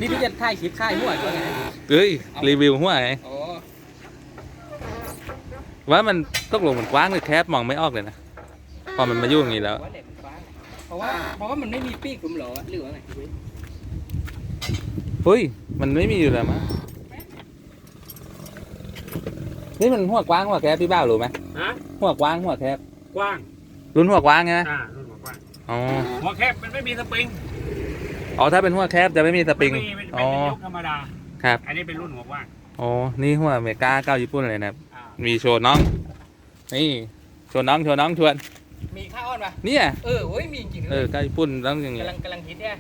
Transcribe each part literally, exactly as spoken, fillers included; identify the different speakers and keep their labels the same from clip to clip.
Speaker 1: นี่พี่จะถ่ายคลิปค่ายหัวตัวไง
Speaker 2: เอ้ยรีวิวหัวไง
Speaker 1: โอ้
Speaker 2: ว่ามันตกลงมันกว้างหรือแคบมองไม่ออกเลยนะพอมันมายุ่งอย่างนี้แล้ว
Speaker 1: เพราะว่าเพราะว่ามันไม่มีปีกผมหรอหรือว่าไง
Speaker 2: เฮ้ยมันไม่มีอยู่แล้วมั้งนี่มันหัวกว้างหัวแคบพี่บ้ารู้ไหม
Speaker 3: ฮะ
Speaker 2: หัวกว้างหัวแคบ
Speaker 3: กว้าง
Speaker 2: รุ่นหัวกว้างไง
Speaker 3: อ่ารุ่นหัวกว้าง
Speaker 2: อ๋อ
Speaker 3: หัวแคบมันไม่มีสปริง
Speaker 2: อ๋อถ้าเป็นหัวแคบจะไม่มีสปริง
Speaker 3: ไม่มีเป็น
Speaker 2: อ๋อ
Speaker 3: เป็นยกธรรมดา
Speaker 2: ครับ
Speaker 3: อันนี้เป็นรุ่นหัวกว้าง
Speaker 2: อ๋อนี่หัวอเมริกาเก้าญี่ปุ่นเลยนะครับ
Speaker 3: อ่า
Speaker 2: มีโชว์น้องนี่โชว์น้องโชว์น้องชวน
Speaker 1: มีข้าวอ้อนปะ
Speaker 2: เนี่ย
Speaker 1: เออโอ้ยมีจริง
Speaker 2: เออเก้าญี่ปุ่นต้องอย่างเงี้ย
Speaker 1: กำลังกำลังฮิตเนี่ย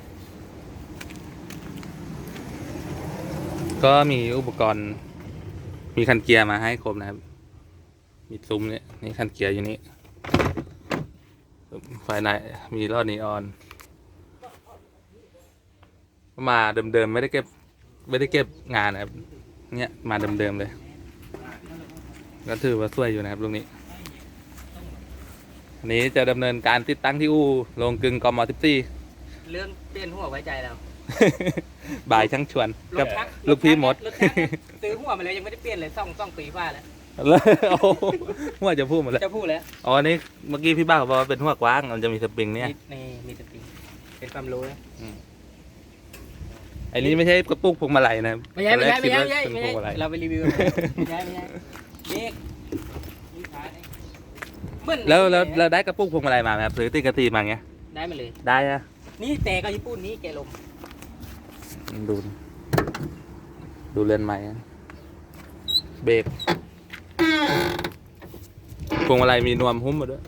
Speaker 2: ก็มีอุปกรณ์มีคันเกียร์มาให้ครบนะครับมีซุ้มเนี่ยนี่คันเกียร์อยู่นี่ไฟในมีลอดนีออนมาเดิมๆไม่ได้เก็บไม่ได้เก็บงานนะครับเนี่ยมาเดิมๆเลยก็ถือว่าสวยอยู่นะครับลูกนี้อันนี้จะดำเนินการติดตั้งที่อู่โรงกลึงกมสิบสี่
Speaker 1: เรื่องเปลี่ยนหัวไว้ใจเรา
Speaker 2: บ่ายช่างชวนกับลูกพี่มด
Speaker 1: ซื้อหัวมาแล้วยังไม่ได้เปลี่ยนเลยซ่องซ่องปีฟ้าแล้ว
Speaker 2: แล้วโอ้ว่าจะพูดหมดแล้ว
Speaker 1: จะพูดแล้ว
Speaker 2: อ๋อนี่เมื่อกี้พี่บ้าบอกว่าเป็นหัวกว้างมันจะมีสปริงเนี่ย
Speaker 1: นี่มีสปริงเป็นความรู้นะ
Speaker 2: ไอ้นี้ไม่ใช่กระปุกพวงมาลัยนะ
Speaker 1: ไม่ใช่ไม่ใช่ไม่ใช่ไม่ใช่
Speaker 2: เป็นพวงมาลัย
Speaker 1: เราไปรีวิวไม่ใช่ไม่ใช่เด็กเหมือน
Speaker 2: แล้วแล้วเราได้กระปุกพวงมาลัยมาไหมครับหรือติดกระตีมาเงี้ย
Speaker 1: ได้มาเลย
Speaker 2: ได้อะ
Speaker 1: นี่แต่ก็ญี่ปุ่นนี่แกลม
Speaker 2: ดูดูเรือนไม้อะเบรกพวงมาลัยมีนวมหุ้มมาด้วย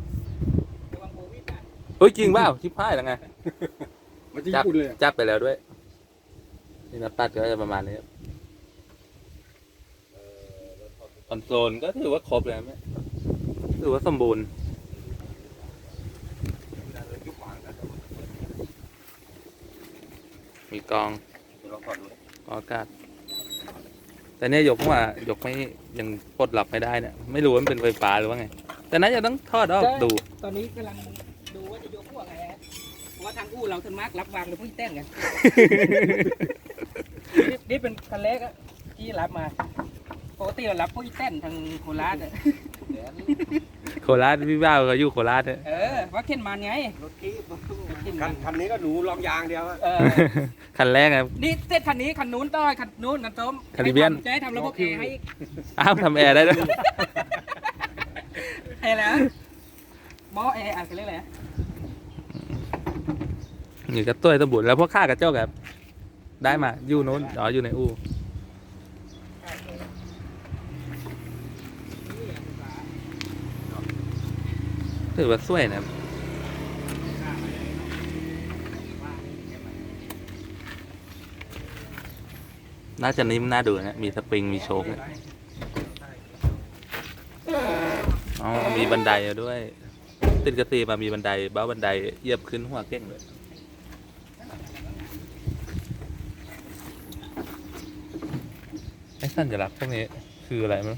Speaker 2: เฮ้ยจริงเปล่าชิบหายแล้วไง
Speaker 3: มันจะ
Speaker 2: จับ
Speaker 3: ญี่ปุ่นเลย
Speaker 2: จับไปแล้วด้วยนี่นะปัดก็จะประมาณนี้ครับคอนโซลก็ถือว่าครบเลยไหมถือว่าสมบูรณ์มีกองกองอากาศแต่เนี่ยยกว่ายกไม่ยังปลดล็อกไม่ได้เนี่ยไม่รู้ว่ามันเป็นไฟฟ้าหรือว่าไงแต่นั้นจะต้องทอดออกดู
Speaker 1: ตอนนี้กำลังดูว่าจะยกหัวไงฮะเพราะว่าทางอู้เราทนมากรับวางเลยพุ่งเต้นกันนี่นี่เป็นคันเล็กอะที่รับมาปกติเรารับพวกอีเต้นทางโคราชอะ
Speaker 2: โคราชพี่บ้าวเขาอยู่โคราชเนี่ย
Speaker 1: เออว่าเข็นมันไง
Speaker 3: รถคีบ
Speaker 1: เข็น
Speaker 3: คั
Speaker 1: มัน น
Speaker 3: คันนี้ก็หนูลองยางเดียวอะ
Speaker 1: เออ
Speaker 2: คันแรกครับ
Speaker 1: นี่เส้นคันนี้คันนู้นต้อยคันนู้นคันต้ม
Speaker 2: คาริเบียน
Speaker 1: จะให้ทำระบบแอร์ให้
Speaker 2: อ้าวทำแอร์ได้ด้วย
Speaker 1: ให้แล้วหม้อแอร์อะไรเรียกอะไร
Speaker 2: นี่ก็ตัวสมบูรณ์แล้วพวกข้ากระเจ้าครับได้มาอยู่โน้นอ๋ออยู่ในอู่ถือว่าสวยนะน่าจะนิ่มน่าดูนะมีสปริงมีโชคเนี่ยอ๋อมีบันไดด้วย ติดกระตีมามีบันไดเบ้าบันไดเหยียบขึ้นหัวเก่งเลยไอ้สัญลักษณ์พวกนี้คืออะไรมั้ง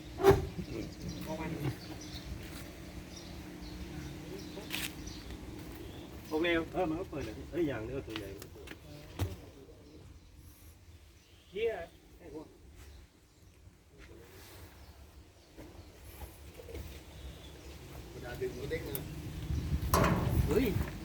Speaker 3: โอเคเออมันก็เปิดเลยเอ้ยอย่างนี้ก็ตัวใหญ่เฮียไอ้พวก
Speaker 1: เฮ้ย